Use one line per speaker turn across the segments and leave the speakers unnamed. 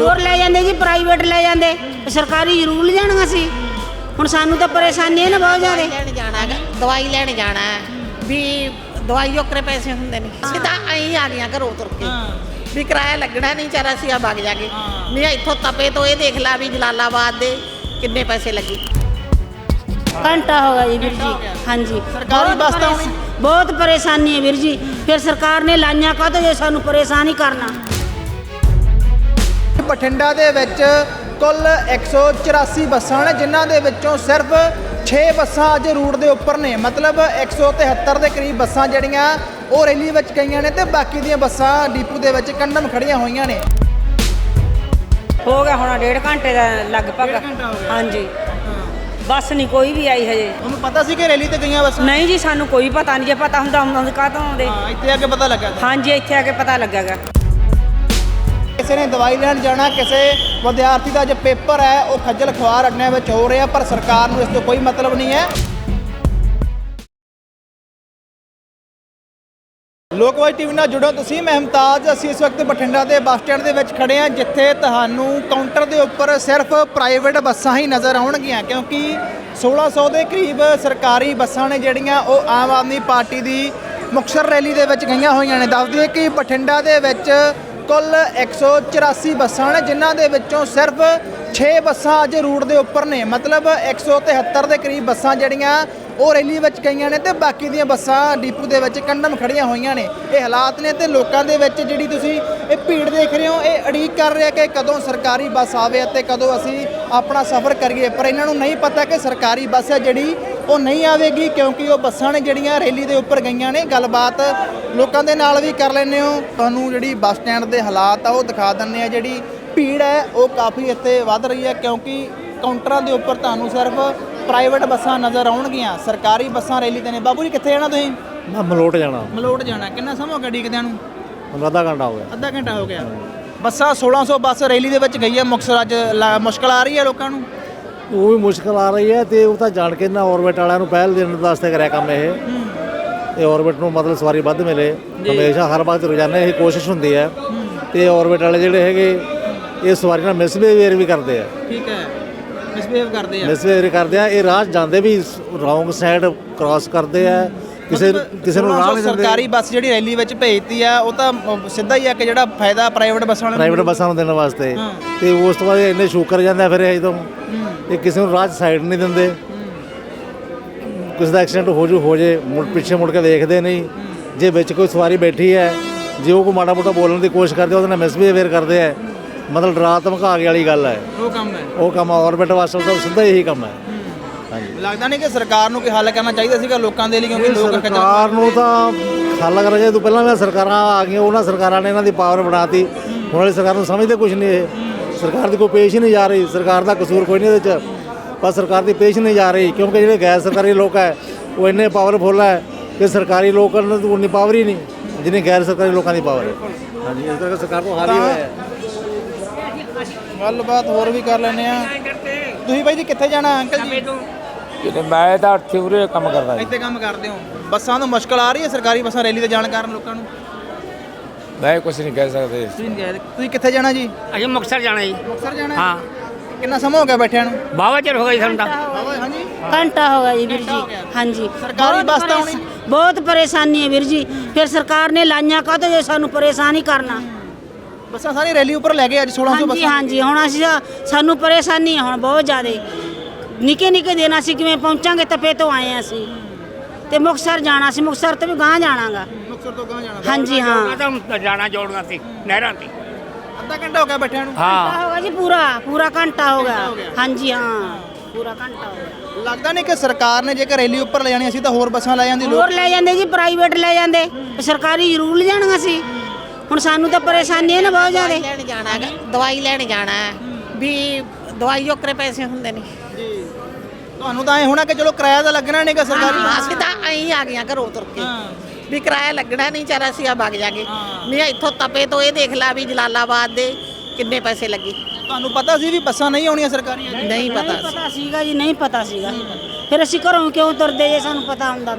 ਹੋਰ ਲੈ ਜਾਂਦੇ ਜੀ, ਪ੍ਰਾਈਵੇਟ ਲੈ ਜਾਂਦੇ, ਸਰਕਾਰੀ ਜ਼ਰੂਰ ਲਿਜਾਣੀਆਂ ਸੀ। ਹੁਣ ਸਾਨੂੰ ਤਾਂ ਪਰੇਸ਼ਾਨੀ ਹੈ ਨਾ ਬਹੁਤ ਜ਼ਿਆਦਾ।
ਲੈਣ ਜਾਣਾ ਹੈਗਾ, ਦਵਾਈ ਲੈਣ ਜਾਣਾ ਵੀ ਦਵਾਈ ਓਕਰੇ ਪੈਸੇ ਹੁੰਦੇ ਨੇ। ਅਸੀਂ ਤਾਂ ਐਂ ਆ ਗਈਆਂ ਘਰੋਂ ਤੁਰ ਕੇ ਵੀ ਕਿਰਾਇਆ ਲੱਗਣਾ ਨਹੀਂ, ਚਾਰਾ ਅਸੀਂ ਆ ਵਗ ਜਾਗੇ। ਨਹੀਂ ਇੱਥੋਂ ਤਪੇ ਤੋਂ ਇਹ ਦੇਖ ਲਾ ਵੀ ਜਲਾਲਾਬਾਦ ਦੇ ਕਿੰਨੇ ਪੈਸੇ ਲੱਗੇ।
ਘੰਟਾ ਹੋ ਗਿਆ ਜੀ ਵੀਰ ਜੀ। ਹਾਂਜੀ,
ਸਰਕਾਰੀ ਬੱਸ ਤਾਂ ਆਉਣੀ
ਬਹੁਤ ਪਰੇਸ਼ਾਨੀ ਹੈ ਵੀਰ ਜੀ। ਫਿਰ ਸਰਕਾਰ ਨੇ ਲਾਈਆਂ ਕਾਹਤੋਂ ਜੇ ਸਾਨੂੰ ਪਰੇਸ਼ਾਨ ਹੀ ਕਰਨਾ।
ਬਠਿੰਡਾ ਦੇ ਵਿੱਚ ਕੁੱਲ 184 ਬੱਸਾਂ ਨੇ, ਜਿਨ੍ਹਾਂ ਦੇ ਵਿੱਚੋਂ ਸਿਰਫ 6 ਬੱਸਾਂ ਅੱਜ ਰੂਟ ਦੇ ਉੱਪਰ ਨੇ। ਮਤਲਬ 173 ਦੇ ਕਰੀਬ ਬੱਸਾਂ ਜਿਹੜੀਆਂ ਉਹ ਰੈਲੀ ਵਿੱਚ ਗਈਆਂ ਨੇ ਤੇ ਬਾਕੀ ਦੀਆਂ ਬੱਸਾਂ ਡਿਪੂ ਦੇ ਵਿੱਚ ਕੰਡਮ ਖੜੀਆਂ ਹੋਈਆਂ ਨੇ।
ਹੋ ਗਿਆ ਹੁਣ 1.5 ਘੰਟੇ ਦਾ ਲਗਭਗ। ਹਾਂਜੀ, ਬੱਸ ਨਹੀਂ ਕੋਈ ਵੀ ਆਈ ਹਜੇ।
ਤੁਹਾਨੂੰ ਪਤਾ ਸੀ ਕਿ ਰੈਲੀ ਤੇ ਗਈਆਂ ਬੱਸਾਂ?
ਨਹੀਂ ਜੀ, ਸਾਨੂੰ ਕੋਈ ਪਤਾ ਨਹੀਂ। ਜੇ ਪਤਾ ਹੁੰਦਾ ਉਹਨਾਂ ਕਾਹਤੋਂ ਆਉਂਦੇ।
ਇੱਥੇ ਆ ਕੇ ਪਤਾ ਲੱਗਾ।
ਹਾਂਜੀ, ਇੱਥੇ ਆ ਕੇ ਪਤਾ ਲੱਗਾਗਾ।
ਕਿਸੇ ਨੇ ਦਵਾਈ ਲੈਣ ਜਾਣਾ, ਕਿਸੇ ਵਿਦਿਆਰਥੀ ਦਾ ਜੋ ਪੇਪਰ ਹੈ ਉਹ ਖੱਜਲ ਖੁਆਰ ਅੱਡਿਆਂ ਵਿੱਚ ਹੋ ਰਿਹਾ, ਪਰ ਸਰਕਾਰ ਨੂੰ ਇਸ ਤੋਂ ਕੋਈ ਮਤਲਬ ਨਹੀਂ ਹੈ। ਲੋਕਵਾਈ ਟੀਵੀ ਨਾਲ ਜੁੜੋ ਤੁਸੀਂ। ਮੈਂ ਮੁਮਤਾਜ਼। ਅਸੀਂ ਇਸ ਵਕਤ ਬਠਿੰਡਾ ਦੇ ਬੱਸ ਸਟੈਂਡ ਦੇ ਵਿੱਚ ਖੜੇ ਹਾਂ, ਜਿੱਥੇ ਤੁਹਾਨੂੰ ਕਾਊਂਟਰ ਦੇ ਉੱਪਰ ਸਿਰਫ ਪ੍ਰਾਈਵੇਟ ਬੱਸਾਂ ਹੀ ਨਜ਼ਰ ਆਉਣਗੀਆਂ, ਕਿਉਂਕਿ 1600 ਦੇ ਕਰੀਬ ਸਰਕਾਰੀ ਬੱਸਾਂ ਨੇ ਜਿਹੜੀਆਂ ਉਹ ਆਮ ਆਦਮੀ ਪਾਰਟੀ ਦੀ ਮੁਕਤਸਰ ਰੈਲੀ ਦੇ ਵਿੱਚ ਗਈਆਂ ਹੋਈਆਂ ਨੇ। ਦੱਸ ਦਈਏ ਕਿ ਬਠਿੰਡਾ ਦੇ ਵਿੱਚ ਕੁੱਲ 184 ਬੱਸਾਂ ਨੇ, ਜਿਨ੍ਹਾਂ ਦੇ ਵਿੱਚੋਂ ਸਿਰਫ 6 ਬੱਸਾਂ ਅੱਜ ਰੂਟ ਦੇ ਉੱਪਰ ਨੇ। ਮਤਲਬ 173 ਦੇ ਕਰੀਬ ਬੱਸਾਂ ਜਿਹੜੀਆਂ ਉਹ ਰੈਲੀ ਵਿੱਚ ਗਈਆਂ ਨੇ ਤੇ ਬਾਕੀ ਦੀਆਂ ਬੱਸਾਂ ਡਿਪੂ ਦੇ ਵਿੱਚ ਕੰਡਮ ਖੜੀਆਂ ਹੋਈਆਂ ਨੇ। ਇਹ ਹਾਲਾਤ ਨੇ ਤੇ ਲੋਕਾਂ ਦੇ ਵਿੱਚ ਜਿਹੜੀ ਤੁਸੀਂ ਇਹ ਭੀੜ ਦੇਖ ਰਹੇ ਹੋ, ਇਹ ਉਡੀਕ ਕਰ ਰਿਹਾ ਕਿ ਕਦੋਂ ਸਰਕਾਰੀ ਬੱਸ ਆਵੇ ਅਤੇ ਕਦੋਂ ਅਸੀਂ ਆਪਣਾ ਸਫ਼ਰ ਕਰੀਏ। ਪਰ ਇਹਨਾਂ ਨੂੰ ਨਹੀਂ ਪਤਾ ਕਿ ਸਰਕਾਰੀ ਬੱਸ ਹੈ ਜਿਹੜੀ ਉਹ ਨਹੀਂ ਆਵੇਗੀ, ਕਿਉਂਕਿ ਉਹ ਬੱਸਾਂ ਨੇ ਜਿਹੜੀਆਂ ਰੈਲੀ ਦੇ ਉੱਪਰ ਗਈਆਂ ਨੇ। ਗੱਲਬਾਤ ਲੋਕਾਂ ਦੇ ਨਾਲ ਵੀ ਕਰ ਲੈਂਦੇ ਹੋ। ਤੁਹਾਨੂੰ ਜਿਹੜੀ ਬੱਸ ਸਟੈਂਡ ਦੇ ਹਾਲਾਤ ਆ ਉਹ ਦਿਖਾ ਦਿੰਦੇ ਆ। ਜਿਹੜੀ ਭੀੜ ਹੈ ਉਹ ਕਾਫੀ ਇੱਥੇ ਵੱਧ ਰਹੀ ਹੈ, ਕਿਉਂਕਿ ਕਾਊਂਟਰਾਂ ਦੇ ਉੱਪਰ ਤੁਹਾਨੂੰ ਸਿਰਫ ਪ੍ਰਾਈਵੇਟ ਬੱਸਾਂ ਨਜ਼ਰ ਆਉਣਗੀਆਂ, ਸਰਕਾਰੀ ਬੱਸਾਂ ਰੈਲੀ ਤੇ ਨੇ। ਬਾਬੂ ਜੀ ਕਿੱਥੇ ਜਾਣਾ ਤੁਸੀਂ?
ਮੈਂ ਮਲੋਟ ਜਾਣਾ।
ਮਲੋਟ ਜਾਣਾ। ਕਿੰਨਾ ਸਮਾਂ ਹੋ ਗਿਆ ਡੀਕਦਿਆਂ ਨੂੰ?
ਮੈਨੂੰ ਅੱਧਾ ਘੰਟਾ ਹੋ ਗਿਆ।
ਅੱਧਾ ਘੰਟਾ ਹੋ ਗਿਆ। ਬੱਸਾਂ 1600 ਬੱਸ ਰੈਲੀ ਦੇ ਵਿੱਚ ਗਈ ਹੈ ਮੁਕਤਸਰ। ਅੱਜ ਮੁਸ਼ਕਲ ਆ ਰਹੀ ਹੈ ਲੋਕਾਂ ਨੂੰ?
ਉਹ ਵੀ ਮੁਸ਼ਕਲ ਆ ਰਹੀ ਹੈ ਤੇ ਉਹ ਤਾਂ ਜਾਣ ਕੇ ਨਾ ਔਰਬਿਟ ਵਾਲਿਆਂ ਨੂੰ ਪਹਿਲ ਦੇਣ ਵਾਸਤੇ ਕਰਿਆ ਕੰਮ ਇਹ ਔਰਬਿਟ ਨੂੰ ਮਤਲਬ ਸਵਾਰੀ ਵੱਧ ਮਿਲੇ। ਹਮੇਸ਼ਾ ਹਰ ਵਕਤ ਰੋਜ਼ਾਨਾ ਇਹ ਕੋਸ਼ਿਸ਼ ਹੁੰਦੀ ਹੈ ਤੇ ਔਰਬਿਟ ਵਾਲੇ ਜਿਹੜੇ ਹੈਗੇ ਇਹ ਸਵਾਰੀ ਨਾਲ ਮਿਸਬਿਹੇਵੀਅਰ ਵੀ ਕਰਦੇ ਆ।
ਠੀਕ ਹੈ, ਮਿਸਬਿਹੇਵ ਕਰਦੇ ਆ।
ਮਿਸਬਿਹੇਵੀਅਰ ਕਰਦੇ ਆ। ਇਹ ਰਾਹ ਜਾਂਦੇ ਵੀ ਰੌਂਗ ਸਾਈਡ ਕ੍ਰਾਸ ਕਰਦੇ ਆ, ਕਿਸੇ ਨੂੰ ਰਾਹ ਨਹੀਂ ਦਿੰਦੇ।
ਸਰਕਾਰੀ ਬੱਸ ਜਿਹੜੀ ਰੈਲੀ ਵਿੱਚ ਭੇਜਤੀ ਆ ਉਹ ਤਾਂ ਸਿੱਧਾ ਹੀ ਆ ਕਿ ਜਿਹੜਾ ਫਾਇਦਾ ਪ੍ਰਾਈਵੇਟ ਬੱਸਾਂ ਵਾਲਿਆਂ
ਪ੍ਰਾਈਵੇਟ ਬੱਸਾਂ ਨੂੰ ਦੇਣ ਵਾਸਤੇ। ਤੇ ਉਸ ਤੋਂ ਬਾਅਦ ਇੰਨੇ ਸ਼ੂਕਰ ਜਾਂਦੇ ਫਿਰ ਇਹ ਜਦੋਂ ਇਹ ਕਿਸੇ ਨੂੰ ਰਾਹ ਸਾਈਡ ਨਹੀਂ ਦਿੰਦੇ। ਕਿਸੇ ਦਾ ਐਕਸੀਡੈਂਟ ਹੋ ਜੇ ਪਿੱਛੇ ਮੁੜ ਕੇ ਦੇਖਦੇ ਨਹੀਂ। ਜੇ ਵਿੱਚ ਕੋਈ ਸਵਾਰੀ ਬੈਠੀ ਹੈ, ਜੇ ਉਹ ਕੋਈ ਮਾੜਾ ਮੋਟਾ ਬੋਲਣ ਦੀ ਕੋਸ਼ਿਸ਼ ਕਰਦੇ ਉਹਦੇ ਨਾਲ ਮਿਸਬਿਹੇਵੀਅਰ ਕਰਦੇ ਆ। ਮਤਲਬ ਡਰਾ ਧਮਕਾ ਕੇ ਵਾਲੀ ਗੱਲ ਹੈ। ਉਹ ਕੰਮ ਔਰਬਿਟ ਵਾਸਤੇ ਤਾਂ ਸਿੱਧਾ ਇਹੀ ਕੰਮ ਹੈ। ਹਾਂਜੀ, ਲੱਗਦਾ ਨਹੀਂ ਕਿ ਸਰਕਾਰ ਨੂੰ ਕੋਈ ਹੱਲ ਕਰਨਾ ਚਾਹੀਦਾ ਸੀਗਾ ਲੋਕਾਂ ਦੇ ਲਈ, ਕਿਉਂਕਿ ਲੋਕ ਸਰਕਾਰ ਨੂੰ ਤਾਂ ਹੱਲ ਕਰਨਾ ਚਾਹੀਦਾ। ਤੋਂ ਪਹਿਲਾਂ ਵੀ ਸਰਕਾਰਾਂ ਆ ਗਈਆਂ, ਉਹਨਾਂ ਸਰਕਾਰਾਂ ਨੇ ਇਹਨਾਂ ਦੀ ਪਾਵਰ ਬਣਾਤੀ। ਹੁਣ ਵਾਲੀ ਸਰਕਾਰ ਨੂੰ ਸਮਝਦੇ ਕੁਝ ਨਹੀਂ। ਇਹ ਸਰਕਾਰ ਦੀ ਕੋਈ ਪੇਸ਼ ਹੀ ਨਹੀਂ ਜਾ ਰਹੀ। ਸਰਕਾਰ ਦਾ ਕਸੂਰ ਕੋਈ ਨਹੀਂ ਇਹਦੇ 'ਚ, ਪਰ ਸਰਕਾਰ ਦੀ ਪੇਸ਼ ਨਹੀਂ ਜਾ ਰਹੀ, ਕਿਉਂਕਿ ਜਿਹੜੇ ਗੈਰ ਸਰਕਾਰੀ ਲੋਕ ਹੈ ਉਹ ਇੰਨੇ ਪਾਵਰਫੁੱਲ ਹੈ ਕਿ ਸਰਕਾਰੀ ਲੋਕਾਂ ਨੂੰ ਉਨੀ ਪਾਵਰ ਹੀ ਨਹੀਂ ਜਿੰਨੀ ਗੈਰ ਸਰਕਾਰੀ ਲੋਕਾਂ ਦੀ ਪਾਵਰ ਹੈ। ਹਾਂਜੀ, ਇਸ ਕਰਕੇ ਸਰਕਾਰ ਤੋਂ ਹਾਰ ਹੀ ਹੋਇਆ ਹੈ।
ਗੱਲਬਾਤ ਹੋਰ ਵੀ ਕਰ ਲੈਂਦੇ ਆ। ਤੁਸੀਂ ਬਾਈ ਜੀ ਕਿੱਥੇ ਜਾਣਾ ਅੰਕਲ ਜੀ?
ਮੈਂ ਤਾਂ ਇੱਥੇ ਉਰੇ ਕੰਮ ਕਰਦਾ ਜੀ।
ਇੱਥੇ ਕੰਮ ਕਰਦੇ ਹੋ। ਬੱਸਾਂ ਨੂੰ ਮੁਸ਼ਕਲ ਆ ਰਹੀ ਹੈ ਸਰਕਾਰੀ ਬੱਸਾਂ ਰੈਲੀ ਤੇ ਜਾਣ ਕਾਰਨ ਲੋਕਾਂ ਨੂੰ?
ਮੈਂ ਕੁਝ ਨਹੀਂ ਕਹਿ ਸਕਦੇ।
ਤੁਸੀਂ ਕਿੱਥੇ ਜਾਣਾ ਜੀ?
ਅਸੀਂ ਮੁਕਤਸਰ ਜਾਣਾ ਜੀ।
ਮੁਕਤਸਰ ਜਾਣਾ?
ਹਾਂ।
ਕਿੰਨਾ ਸਮਾਂ ਹੋ ਗਿਆ ਬੈਠਿਆਂ ਨੂੰ?
ਬਾਵਾ ਚਿਰ ਹੋ ਗਿਆ ਜੀ ਸਾਨੂੰ ਤਾਂ।
ਹਾਂਜੀ,
ਘੰਟਾ ਹੋ ਗਿਆ ਜੀ ਵੀਰ ਜੀ। ਹਾਂਜੀ,
ਸਰਕਾਰੀ ਬੱਸ ਤਾਂ ਆਉਣੀ
ਬਹੁਤ ਪਰੇਸ਼ਾਨੀ ਹੈ ਵੀਰ ਜੀ। ਫਿਰ ਸਰਕਾਰ ਨੇ ਲਾਈਆਂ ਕਾਹਤੋਂ ਜੇ ਸਾਨੂੰ ਪਰੇਸ਼ਾਨ ਹੀ ਕਰਨਾ।
ਬੱਸਾਂ ਸਾਰੀ ਰੈਲੀ ਉੱਪਰ ਲੈ ਗਏ ਅੱਜ 1600
ਹਾਂਜੀ
ਬੱਸਾਂ।
ਹਾਂਜੀ, ਹੁਣ ਅਸੀਂ ਸਾਨੂੰ ਪਰੇਸ਼ਾਨੀ ਹੈ ਹੁਣ ਬਹੁਤ ਜ਼ਿਆਦਾ। ਨਿੱਕੇ ਨਿੱਕੇ ਦਿਨ ਅਸੀਂ ਕਿਵੇਂ ਪਹੁੰਚਾਂਗੇ? ਤਪੇ ਤੋਂ ਆਏ ਹਾਂ ਅਸੀਂ ਤੇ ਮੁਕਤਸਰ ਜਾਣਾ ਸੀ। ਮੁਕਤਸਰ ਤੋਂ ਵੀ ਗਾਂਹ ਜਾਣਾਗਾ।
ਮੁਕਤਸਰ ਤੋਂ ਗਾਂ ਜਾਣਾ?
ਹਾਂਜੀ ਹਾਂ।
ਤਾਂ ਜਾਣਾ ਜੋੜਨਾ ਸੀ ਨਹਿਰਾਂ ਤੇ।
ਅੱਧਾ ਘੰਟਾ ਹੋ ਗਿਆ ਬੈਠਿਆਂ ਨੂੰ?
ਘੰਟਾ ਹੋ ਗਿਆ ਜੀ, ਪੂਰਾ ਘੰਟਾ ਹੋ ਗਿਆ। ਹਾਂਜੀ ਹਾਂ, ਪੂਰਾ ਘੰਟਾ ਹੋ ਗਿਆ।
ਲੱਗਦਾ ਨਹੀਂ ਕਿ ਸਰਕਾਰ ਨੇ ਜੇਕਰ ਰੈਲੀ ਉੱਪਰ ਲੈ ਜਾਣੀ ਸੀ ਤਾਂ ਹੋਰ ਬੱਸਾਂ ਲੈ ਜਾਂਦੀ।
ਹੋਰ ਲੈ ਜਾਂਦੇ ਜੀ, ਪ੍ਰਾਈਵੇਟ ਲੈ ਜਾਂਦੇ, ਸਰਕਾਰੀ ਜ਼ਰੂਰ ਲਿਜਾਣੀਆਂ ਸੀ। ਹੁਣ ਸਾਨੂੰ ਤਾਂ ਪਰੇਸ਼ਾਨੀ ਹੈ ਨਾ ਬਹੁਤ ਜ਼ਿਆਦਾ।
ਲੈਣ ਜਾਣਾ ਹੈਗਾ, ਦਵਾਈ ਲੈਣ ਜਾਣਾ ਵੀ ਦਵਾਈ ਓਕਰੇ ਪੈਸੇ ਹੁੰਦੇ ਨੇ।
ਤੁਹਾਨੂੰ ਤਾਂ ਐ ਹੋਣਾ ਕਿ ਚਲੋ ਕਿਰਾਇਆ ਤਾਂ ਲੱਗਣਾ ਨਹੀਂਗਾ ਸਰਕਾਰੀ ਬੱਸ।
ਅਸੀਂ ਤਾਂ ਐਂ ਆ ਗਈਆਂ ਘਰੋਂ ਤੁਰ ਕੇ ਵੀ ਕਿਰਾਇਆ ਲੱਗਣਾ ਨਹੀਂ, ਚਾਰਾ ਅਸੀਂ ਆ ਵਗ ਜਾਗੇ। ਨਹੀਂ ਇੱਥੋਂ ਤਪੇ ਤੋਂ ਇਹ ਦੇਖ ਲਾ ਵੀ ਜਲਾਲਾਬਾਦ ਦੇ ਕਿੰਨੇ ਪੈਸੇ ਲੱਗੇ।
ਤੁਹਾਨੂੰ ਪਤਾ ਸੀ ਵੀ ਬੱਸਾਂ ਨਹੀਂ ਆਉਣੀਆਂ ਸਰਕਾਰੀ?
ਨਹੀਂ ਪਤਾ
ਪਤਾ ਸੀਗਾ ਜੀ, ਨਹੀਂ ਪਤਾ ਸੀਗਾ। ਫਿਰ ਅਸੀਂ ਘਰੋਂ ਕਿਉਂ ਤੁਰਦੇ ਜੇ ਸਾਨੂੰ ਪਤਾ ਹੁੰਦਾ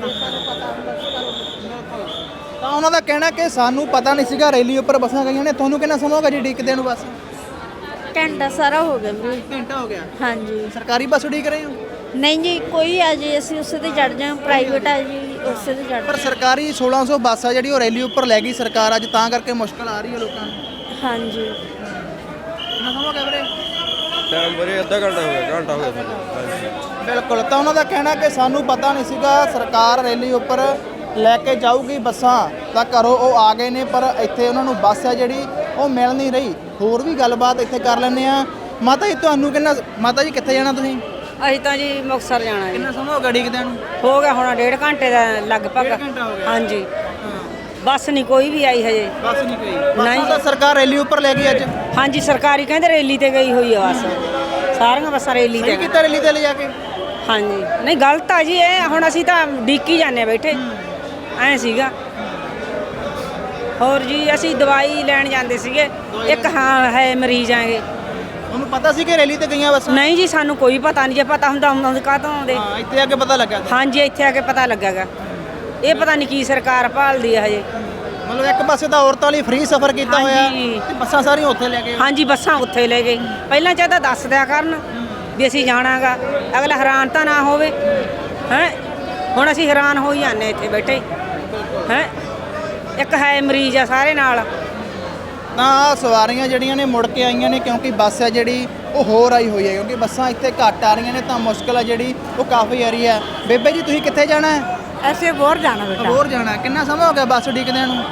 ਤਾਂ ਉਹਨਾਂ ਦਾ ਕਹਿਣਾ ਕਿ ਸਾਨੂੰ ਪਤਾ ਨਹੀਂ ਸੀਗਾ ਰੈਲੀ ਉੱਪਰ ਬੱਸਾਂ ਗਈਆਂ ਨੇ। ਤੁਹਾਨੂੰ ਕਿੰਨਾ ਸਮਾਂ ਹੋ ਗਿਆ ਜੀ ਉਡੀਕਦੇ ਨੂੰ? ਬੱਸ
ਘੰਟਾ ਸਾਰਾ ਹੋ ਗਿਆ ਵੀਰੇ।
ਘੰਟਾ ਹੋ ਗਿਆ।
ਹਾਂਜੀ
ਸਰਕਾਰੀ ਬੱਸ ਉਡੀਕ ਰਹੇ ਹੋ?
ਨਹੀਂ ਜੀ, ਕੋਈ ਆ ਜੀ ਅਸੀਂ ਉਸੇ ਤੇ ਚੜ ਜਾਵਾਂ, ਪ੍ਰਾਈਵੇਟ ਆ ਜੀ ਉਸੇ ਤੇ ਚੜ।
ਪਰ ਸਰਕਾਰੀ 1600 ਬੱਸ ਆ ਜਿਹੜੀ ਉਹ ਰੈਲੀ ਉੱਪਰ ਲੈ ਗਈ ਸਰਕਾਰ ਅੱਜ, ਤਾਂ ਕਰਕੇ ਮੁਸ਼ਕਲ ਆ ਰਹੀ ਹੈ ਲੋਕਾਂ ਨੂੰ।
ਹਾਂਜੀ
ਕਿੰਨਾ ਸਮਾਂ ਹੋ ਗਿਆ ਵੀਰੇ?
ਟਾਈਮ ਵੀਰੇ ਅੱਧਾ ਘੰਟਾ ਹੋ ਗਿਆ, ਘੰਟਾ ਹੋ ਗਿਆ ਸਾਨੂੰ।
ਬਿਲਕੁਲ, ਤਾਂ ਉਹਨਾਂ ਦਾ ਕਹਿਣਾ ਕਿ ਸਾਨੂੰ ਪਤਾ ਨਹੀਂ ਸੀਗਾ ਸਰਕਾਰ ਰੈਲੀ ਉੱਪਰ ਲੈ ਕੇ ਜਾਊਗੀ ਬੱਸਾਂ, ਤਾਂ ਘਰੋਂ ਉਹ ਆ ਗਏ ਨੇ, ਪਰ ਇੱਥੇ ਉਹਨਾਂ ਨੂੰ ਬੱਸ ਹੈ ਜਿਹੜੀ ਉਹ ਮਿਲ ਨਹੀਂ ਰਹੀ। ਹੋਰ ਵੀ ਗੱਲਬਾਤ ਇੱਥੇ ਕਰ ਲੈਂਦੇ ਆ। ਮਾਤਾ ਜੀ ਤੁਹਾਨੂੰ ਕਿੰਨਾ, ਮਾਤਾ ਜੀ ਕਿੱਥੇ ਜਾਣਾ ਤੁਸੀਂ?
ਅਸੀਂ ਤਾਂ ਜੀ ਮੁਕਤਸਰ ਜਾਣਾ ਜੀ।
ਕਿੰਨਾ ਸਮਾਂ ਹੋ ਗਿਆ ਉਡੀਕਦਿਆਂ ਨੂੰ?
ਹੋ ਗਿਆ ਹੁਣ 1.5 ਘੰਟੇ ਦਾ ਲਗਭਗ।
ਘੰਟਾ ਹੋ ਗਿਆ।
ਹਾਂਜੀ ਬੱਸ ਨਹੀਂ ਕੋਈ ਵੀ ਆਈ ਹਜੇ।
ਬੱਸ ਨਹੀਂ ਗਈ?
ਨਹੀਂ।
ਬੱਸਾਂ ਤਾਂ ਸਰਕਾਰ ਰੈਲੀ ਉੱਪਰ ਲੈ ਗਈ ਅੱਜ।
ਹਾਂਜੀ ਸਰਕਾਰੀ ਕਹਿੰਦੇ ਰੈਲੀ ਤੇ ਗਈ ਹੋਈ ਆ ਬੱਸ, ਸਾਰੀਆਂ ਬੱਸਾਂ ਰੈਲੀ
ਸਹੀ
ਤੇ।
ਕੀਤਾ ਰੈਲੀ ਤੇ ਲੈ ਜਾ ਕੇ?
ਹਾਂਜੀ ਨਹੀਂ ਗਲਤ ਆ ਜੀ ਇਹ, ਹੁਣ ਅਸੀਂ ਤਾਂ ਡੀਕੀ ਜਾਂਦੇ ਬੈਠੇ ਐ ਸੀਗਾ। ਹੋਰ ਜੀ ਅਸੀਂ ਦਵਾਈ ਲੈਣ ਜਾਂਦੇ ਸੀਗੇ, ਇੱਕ ਹਾਂ ਹੈ ਮਰੀਜ਼ ਆਂਗੇ।
ਤੁਹਾਨੂੰ ਪਤਾ ਸੀ ਕਿ ਰੈਲੀ ਤੇ ਗਈਆਂ ਬੱਸਾਂ?
ਨਹੀਂ ਜੀ ਸਾਨੂੰ ਕੋਈ ਪਤਾ ਨਹੀਂ, ਜੇ ਪਤਾ ਹੁੰਦਾ ਆਉਂਦੇ ਕਾਹਤੋਂ ਆਉਂਦੇ।
ਹਾਂ, ਇੱਥੇ ਆ ਕੇ ਪਤਾ ਲੱਗਾ।
ਹਾਂਜੀ ਇੱਥੇ ਆ ਕੇ ਪਤਾ ਲੱਗਾਗਾ। ਇਹ ਪਤਾ ਨਹੀਂ ਕੀ ਸਰਕਾਰ ਭਾਲਦੀ ਆ ਹਜੇ।
ਮਤਲਬ ਇੱਕ ਪਾਸੇ ਤਾਂ ਔਰਤਾਂ ਲਈ ਫ੍ਰੀ ਸਫ਼ਰ ਕੀਤਾ ਹੋਇਆ
ਹਾਂਜੀ।
ਤੇ ਬੱਸਾਂ ਸਾਰੀਆਂ ਉੱਥੇ ਲੈ ਗਏ।
ਹਾਂਜੀ ਬੱਸਾਂ ਉੱਥੇ ਲੈ ਗਏ। ਪਹਿਲਾਂ ਚਾਹਤਾ ਦੱਸ ਦਿਆ ਕਰਨ ਵੀ ਅਸੀਂ ਜਾਣਾਗਾ, ਅਗਲਾ ਹੈਰਾਨ ਤਾਂ ਨਾ ਹੋਵੇ ਹੈ। ਹੁਣ ਅਸੀਂ ਹੈਰਾਨ ਹੋ ਹੀ ਜਾਂਦੇ ਇੱਥੇ ਬੈਠੇ ਹੈ। ਇੱਕ ਹੈ ਮਰੀਜ਼ ਆ ਸਾਰੇ ਨਾਲ।
ਤਾਂ ਆਹ ਸਵਾਰੀਆਂ ਜਿਹੜੀਆਂ ਨੇ ਮੁੜ ਕੇ ਆਈਆਂ ਨੇ, ਕਿਉਂਕਿ ਬੱਸ ਹੈ ਜਿਹੜੀ ਉਹ ਹੋਰ ਆਈ ਹੋਈ ਹੈ, ਕਿਉਂਕਿ ਬੱਸਾਂ ਇੱਥੇ ਘੱਟ ਆ ਰਹੀਆਂ ਨੇ, ਤਾਂ ਮੁਸ਼ਕਲ ਹੈ ਜਿਹੜੀ ਉਹ ਕਾਫੀ ਆ ਰਹੀ ਹੈ। ਬੇਬੇ ਜੀ ਤੁਸੀਂ ਕਿੱਥੇ ਜਾਣਾ ਹੈ?
ਐਸੇ ਬੋਰ ਜਾਣਾ ਬੇਟਾ।
ਹੋਰ ਜਾਣਾ। ਕਿੰਨਾ ਸਮਾਂ ਹੋ ਗਿਆ ਬੱਸ ਉਡੀਕਦਿਆਂ ਨੂੰ?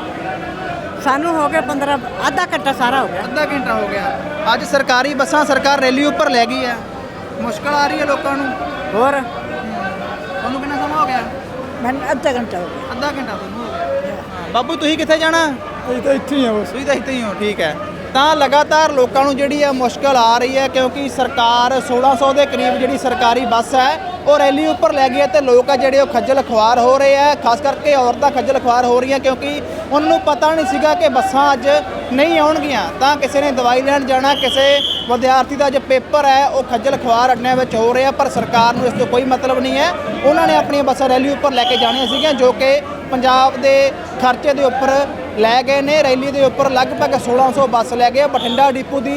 ਸਾਨੂੰ ਹੋ ਗਿਆ 15 ਅੱਧਾ ਘੰਟਾ ਸਾਰਾ ਹੋ ਗਿਆ।
ਅੱਧਾ ਘੰਟਾ ਹੋ ਗਿਆ। ਅੱਜ ਸਰਕਾਰੀ ਬੱਸਾਂ ਸਰਕਾਰ ਰੈਲੀ ਉੱਪਰ ਲੈ ਗਈ ਹੈ, ਮੁਸ਼ਕਲ ਆ ਰਹੀ ਹੈ ਲੋਕਾਂ ਨੂੰ।
ਹੋਰ
ਤੁਹਾਨੂੰ ਕਿੰਨਾ ਸਮਾਂ ਹੋ ਗਿਆ?
ਮੈਨੂੰ ਅੱਧਾ ਘੰਟਾ ਹੋ ਗਿਆ।
ਅੱਧਾ ਘੰਟਾ ਤੁਹਾਨੂੰ ਹੋ ਗਿਆ। ਬਾਬੂ ਤੁਸੀਂ ਕਿੱਥੇ ਜਾਣਾ?
ਅਸੀਂ ਤਾਂ ਇੱਥੇ ਹੀ ਆ ਬਸ।
ਤੁਸੀਂ ਤਾਂ ਇੱਥੇ ਹੀ ਹੋ, ਠੀਕ ਹੈ। ਤਾਂ ਲਗਾਤਾਰ ਲੋਕਾਂ ਨੂੰ ਜਿਹੜੀ ਹੈ ਮੁਸ਼ਕਲ ਆ ਰਹੀ ਹੈ, ਕਿਉਂਕਿ ਸਰਕਾਰ 1600 ਦੇ ਕਰੀਬ ਜਿਹੜੀ ਸਰਕਾਰੀ ਬੱਸ ਹੈ ਉਹ ਰੈਲੀ ਉੱਪਰ ਲੈ ਗਈ ਹੈ, ਤੇ ਲੋਕ ਆ ਜਿਹੜੇ ਉਹ ਖੱਜਲ ਖੁਆਰ ਹੋ ਰਹੇ ਆ, ਖਾਸ ਕਰਕੇ ਔਰਤਾਂ ਖੱਜਲ ਖੁਆਰ ਹੋ ਰਹੀਆਂ, ਕਿਉਂਕਿ ਉਹਨਾਂ ਨੂੰ ਪਤਾ ਨਹੀਂ ਸੀਗਾ ਕਿ ਬੱਸਾਂ ਅੱਜ ਨਹੀਂ ਆਉਣਗੀਆਂ। ਤਾਂ ਕਿਸੇ ਨੇ ਦਵਾਈ ਲੈਣ ਜਾਣਾ, ਕਿਸੇ ਵਿਦਿਆਰਥੀ ਦਾ ਅੱਜ ਪੇਪਰ ਹੈ, ਉਹ ਖੱਜਲ ਖੁਆਰ ਅੱਡਿਆਂ ਵਿੱਚ ਹੋ ਰਿਹਾ, ਪਰ ਸਰਕਾਰ ਨੂੰ ਇਸ ਤੋਂ ਕੋਈ ਮਤਲਬ ਨਹੀਂ ਹੈ। ਉਹਨਾਂ ਨੇ ਆਪਣੀਆਂ ਬੱਸਾਂ ਰੈਲੀ ਉੱਪਰ ਲੈ ਕੇ ਜਾਣੀਆਂ ਸੀਗੀਆਂ, ਜੋ ਕਿ ਪੰਜਾਬ ਦੇ ਖਰਚੇ ਦੇ ਉੱਪਰ ਲੈ ਗਏ ਨੇ। ਰੈਲੀ ਦੇ ਉੱਪਰ ਲਗਭਗ 1600 ਬੱਸ ਲੈ ਗਏ। ਬਠਿੰਡਾ ਡਿਪੂ ਦੀ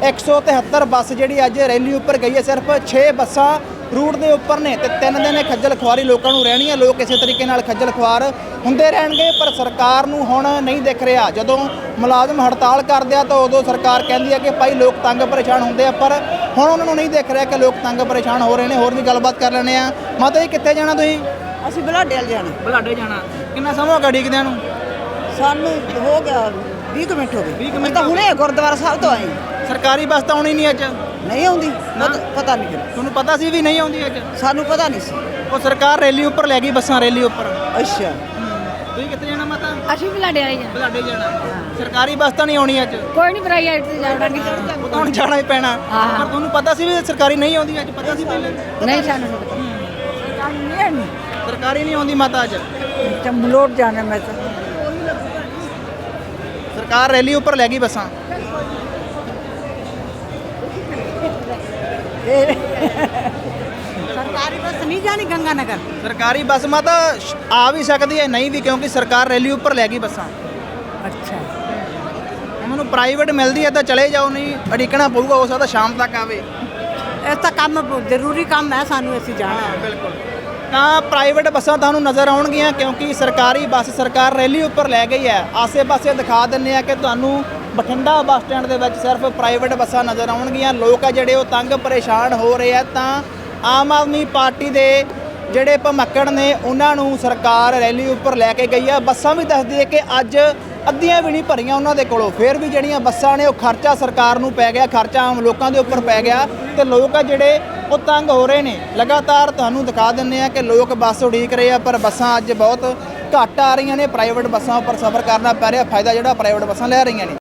173 ਬੱਸ ਜਿਹੜੀ ਅੱਜ ਰੈਲੀ ਉੱਪਰ ਗਈ ਹੈ, ਸਿਰਫ 6 ਬੱਸਾਂ ਰੂਟ ਦੇ ਉੱਪਰ ਨੇ, ਤੇ 3 ਦਿਨ ਖੱਜਲ ਖੁਆਰੀ ਲੋਕਾਂ ਨੂੰ ਰਹਿਣੀ ਹੈ। ਲੋਕ ਇਸੇ ਤਰੀਕੇ ਨਾਲ ਖੱਜਲ ਖੁਆਰ ਹੁੰਦੇ ਰਹਿਣਗੇ, ਪਰ ਸਰਕਾਰ ਨੂੰ ਹੁਣ ਨਹੀਂ ਦਿਖ ਰਿਹਾ। ਜਦੋਂ ਮੁਲਾਜ਼ਮ ਹੜਤਾਲ ਕਰਦੇ ਆ ਤਾਂ ਉਦੋਂ ਸਰਕਾਰ ਕਹਿੰਦੀ ਹੈ ਕਿ ਭਾਈ ਲੋਕ ਤੰਗ ਪਰੇਸ਼ਾਨ ਹੁੰਦੇ ਆ, ਪਰ ਹੁਣ ਉਹਨਾਂ ਨੂੰ ਨਹੀਂ ਦਿਖ ਰਿਹਾ ਕਿ ਲੋਕ ਤੰਗ ਪਰੇਸ਼ਾਨ ਹੋ ਰਹੇ ਨੇ। ਹੋਰ ਵੀ ਗੱਲਬਾਤ ਕਰ ਲੈਂਦੇ ਆ। ਮਾਤਾ ਜੀ ਕਿੱਥੇ ਜਾਣਾ ਤੁਸੀਂ?
ਅਸੀਂ ਬਲਾਡੇ ਵਾਲ ਜਾਣਾ।
ਬੁਲਾਡੇ ਜਾਣਾ। ਕਿੰਨਾ ਸਮਾਂ ਹੋ ਗਿਆ ਉਡੀਕਦਿਆਂ ਨੂੰ?
ਸਾਨੂੰ ਹੋ ਗਿਆ 20 ਮਿੰਟ ਹੋ ਗਏ।
20 ਮਿੰਟ
ਤਾਂ ਹੁਣੇ ਗੁਰਦੁਆਰਾ ਸਾਹਿਬ ਤੋਂ ਆਏ।
ਸਰਕਾਰੀ ਬੱਸ ਤਾਂ ਆਉਣੀ ਨਹੀਂ ਅੱਜ?
ਨਹੀਂ ਆਉਂਦੀ, ਪਤਾ ਨਹੀਂ ਕਿਉਂ।
ਤੁਹਾਨੂੰ ਪਤਾ ਸੀ ਵੀ ਨਹੀਂ ਆਉਂਦੀ ਅੱਜ?
ਸਾਨੂੰ ਪਤਾ ਨਹੀਂ ਸੀ।
ਉਹ ਸਰਕਾਰ ਰੈਲੀ ਉੱਪਰ ਲੈ ਗਈ ਬੱਸਾਂ, ਰੈਲੀ ਉੱਪਰ।
ਅੱਛਾ
ਤੁਸੀਂ ਕਿੱਥੇ ਜਾਣਾ ਮਾਤਾ?
ਅਸੀਂ ਬਲਾਡੇ ਵਾਲੇ ਜਾਣਾ।
ਬੁਲਾਡੇ ਜਾਣਾ। ਸਰਕਾਰੀ ਬੱਸ ਤਾਂ ਨਹੀਂ ਆਉਣੀ ਅੱਜ?
ਕੋਈ ਨਹੀਂ, ਪ੍ਰਾਈਵੇਟ ਤੇ ਜਾਵਾਂਗੇ।
ਉਹ ਤਾਂ ਹੁਣ ਜਾਣਾ ਹੀ ਪੈਣਾ। ਪਰ ਤੁਹਾਨੂੰ ਪਤਾ ਸੀ ਵੀ ਸਰਕਾਰੀ ਨਹੀਂ ਆਉਂਦੀ ਅੱਜ? ਪਤਾ ਸੀ ਪਹਿਲੇ?
ਨਹੀਂ ਸਾਨੂੰ ਨਹੀਂ ਪਤਾ।
ਸਰਕਾਰੀ ਨਹੀਂ ਆਉਂਦੀ ਮਾਤਾ ਅੱਜ?
ਮਲੋਟ ਜਾਣਾ ਮੈਂ ਤਾਂ।
ਸਰਕਾਰ ਰੈਲੀ ਉੱਪਰ ਲੈ ਗਈ ਬੱਸਾਂ।
ਸਰਕਾਰੀ ਬੱਸ ਨਹੀਂ ਜਾਣੀ ਗੰਗਾ ਨਗਰ।
ਸਰਕਾਰੀ ਬੱਸ ਮਾਤਾ ਆ ਵੀ ਸਕਦੀ ਹੈ, ਨਹੀਂ ਵੀ, ਕਿਉਂਕਿ ਸਰਕਾਰ ਰੈਲੀ ਉੱਪਰ ਲੈ ਗਈ ਬੱਸਾਂ।
ਅੱਛਾ
ਉਹਨਾਂ ਨੂੰ ਪ੍ਰਾਈਵੇਟ ਮਿਲਦੀ ਹੈ ਤਾਂ ਚਲੇ ਜਾਓ, ਨਹੀਂ ਅੜਿਕਣਾ ਪਊਗਾ, ਹੋ ਸਕਦਾ ਸ਼ਾਮ ਤੱਕ ਆਵੇ।
ਇਹ ਤਾਂ ਕੰਮ ਜ਼ਰੂਰੀ ਕੰਮ ਹੈ ਸਾਨੂੰ, ਅਸੀਂ ਜਾਣਾ।
ਬਿਲਕੁਲ। ਤਾਂ ਪ੍ਰਾਈਵੇਟ ਬੱਸਾਂ ਤੁਹਾਨੂੰ ਨਜ਼ਰ ਆਉਣਗੀਆਂ, ਕਿਉਂਕਿ ਸਰਕਾਰੀ ਬੱਸ ਸਰਕਾਰ ਰੈਲੀ ਉੱਪਰ ਲੈ ਗਈ ਹੈ। ਆਸੇ-ਪਾਸੇ ਦਿਖਾ ਦਿੰਦੇ ਆ ਕਿ ਤੁਹਾਨੂੰ ਬਠਿੰਡਾ ਬੱਸ ਸਟੈਂਡ ਦੇ ਵਿੱਚ ਸਿਰਫ ਪ੍ਰਾਈਵੇਟ ਬੱਸਾਂ ਨਜ਼ਰ ਆਉਣਗੀਆਂ। ਲੋਕ ਆ ਜਿਹੜੇ ਉਹ ਤੰਗ ਪਰੇਸ਼ਾਨ ਹੋ ਰਹੇ ਆ। ਤਾਂ ਆਮ ਆਦਮੀ ਪਾਰਟੀ ਦੇ ਜਿਹੜੇ ਭਮੱਕੜ ਨੇ ਉਹਨਾਂ ਨੂੰ ਸਰਕਾਰ ਰੈਲੀ ਉੱਪਰ ਲੈ ਕੇ ਗਈ ਆ। ਬੱਸਾਂ ਵੀ ਦੱਸਦੀ ਹੈ ਕਿ ਅੱਜ ਅੱਧੀਆਂ ਵੀ ਨਹੀਂ ਭਰੀਆਂ ਉਹਨਾਂ ਦੇ ਕੋਲੋਂ, ਫਿਰ ਵੀ ਜਿਹੜੀਆਂ ਬੱਸਾਂ ਨੇ ਉਹ ਖਰਚਾ ਸਰਕਾਰ ਨੂੰ ਪੈ ਗਿਆ, ਖਰਚਾ ਆਮ ਲੋਕਾਂ ਦੇ ਉੱਪਰ ਪੈ ਗਿਆ, ਤੇ ਲੋਕ ਆ ਜਿਹੜੇ ਉਹ ਤੰਗ ਹੋ ਰਹੇ ਨੇ। ਲਗਾਤਾਰ ਤੁਹਾਨੂੰ ਦਿਖਾ ਦਿੰਦੇ ਆ ਕਿ ਲੋਕ ਬੱਸ ਉਡੀਕ ਰਹੇ ਆ, ਪਰ ਬੱਸਾਂ ਅੱਜ ਬਹੁਤ ਘੱਟ ਆ ਰਹੀਆਂ ਨੇ। ਪ੍ਰਾਈਵੇਟ ਬੱਸਾਂ ਉੱਪਰ ਸਫ਼ਰ ਕਰਨਾ ਪੈ ਰਿਹਾ, ਫਾਇਦਾ ਜਿਹੜਾ ਪ੍ਰਾਈਵੇਟ ਬੱਸਾਂ ਲੈ ਰਹੀਆਂ ਨੇ।